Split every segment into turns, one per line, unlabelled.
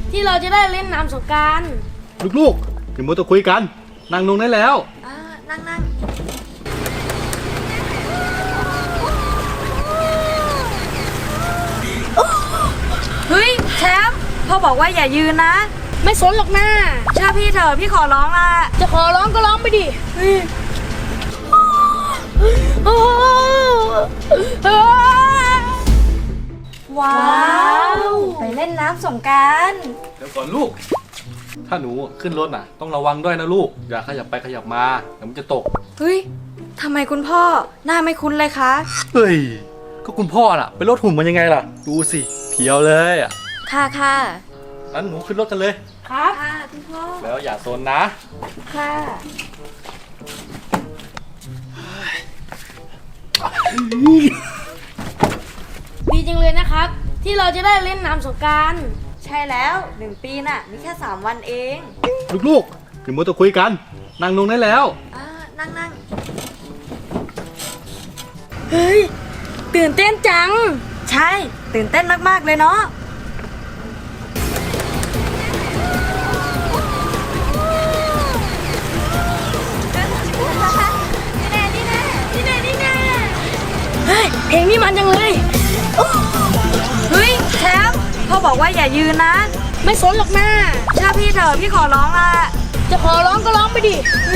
ที่เราจะได้เล่นน้ำสงกรานต์
ลูกๆอย่ามัวแต่คุยกันนั่งลงได้แล้ว
นั่งเฮ้ยแชมป์พ่อบอกว่าอย่ายืนนะ
ไม่สนหรอกนะ
เชื่อพี่เถอะพี่ขอร้องละ
จะขอร้องก็ร้องไปดิ
ว้าวไปเล่นน้ำสงกรานต์
เดี๋ยวก่อนลูกถ้าหนูขึ้นรถน่ะต้องระวังด้วยนะลูกอย่าขยับไปขยับมาเดี๋ยวมันจะตก
เฮ้ยทำไมคุณพ่อหน้าไม่คุ้นเลยคะ
เฮ้ยก็คุณพ่อน่ะไปรถหุ่นมันยังไงล่ะดูสิเพียวเลยอ่ะ
ค่ะ
งั้นหนูขึ้นรถกันเลย
ครับ
ค่ะคุณพ่อ
แล้วอย่าโซนนะ
ค่ะ
ดีจังเลยนะครับที่เราจะได้เล่นน้ำสงกรานต์
ใช่แล้ว1 ปีน่ะนี่แค่3 วันเอง
ลูกๆอย่ามัวแต่คุยกันนั่งลงได้แล้ว
นั่ง
เฮ้ยตื่นเต้นจัง
ใช่ตื่นเต้นมากๆเลยเนาะ
เฮ้ยเพลงนี้มันจังเลย
เฮ้ยแชมป์พ่อบอกว่าอย่ายืนนะ
ไม่สนหรอกนะ
เชื่อพี่เถอะพี่ขอร้องละ
จะขอร้องก็ร้องไปดิ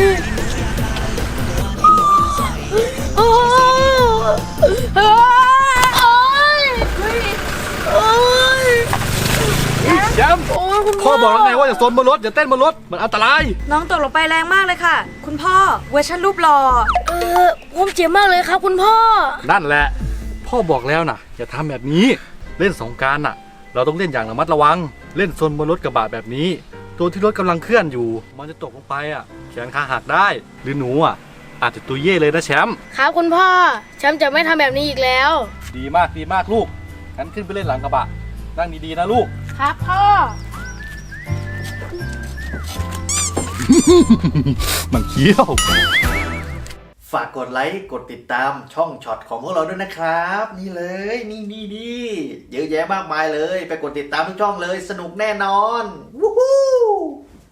โอ้ย
แชมป์พ่อบอกแล้วไงว่าอย่าโซนบนรถอย่าเต้นบนรถมันอันตราย
น้องตกลงไปแรงมากเลยค่ะคุณพ่อเวอร์ชันรูปหล่อ
ผมเจ็บมากเลยครับคุณพ่อ
นั่นแหละพ่อบอกแล้วนะอย่าทำแบบนี้เล่นสงกรานต์น่ะเราต้องเล่นอย่างระมัดระวังเล่นโซนบนรถกระบะแบบนี้ตัวที่รถกำลังเคลื่อนอยู่มันจะตกลงไปอ่ะแขนขาหักได้หรือหนูอ่ะอาจจะตัวเย่เลยนะแชมป์
ครับคุณพ่อแชมป์จะไม่ทำแบบนี้อีกแล้ว
ดีมากลูกงั้นขึ้นไปเล่นหลังกระบะนั่งดีๆนะลูก
ครับพ่อ
มันเขี้ยว
ฝากกดไลค์กดติดตามช่องช็อตของพวกเราด้วยนะครับนี่เลยนี่เยอะแยะมากมายเลยไปกดติดตามทุกช่องเลยสนุกแน่นอน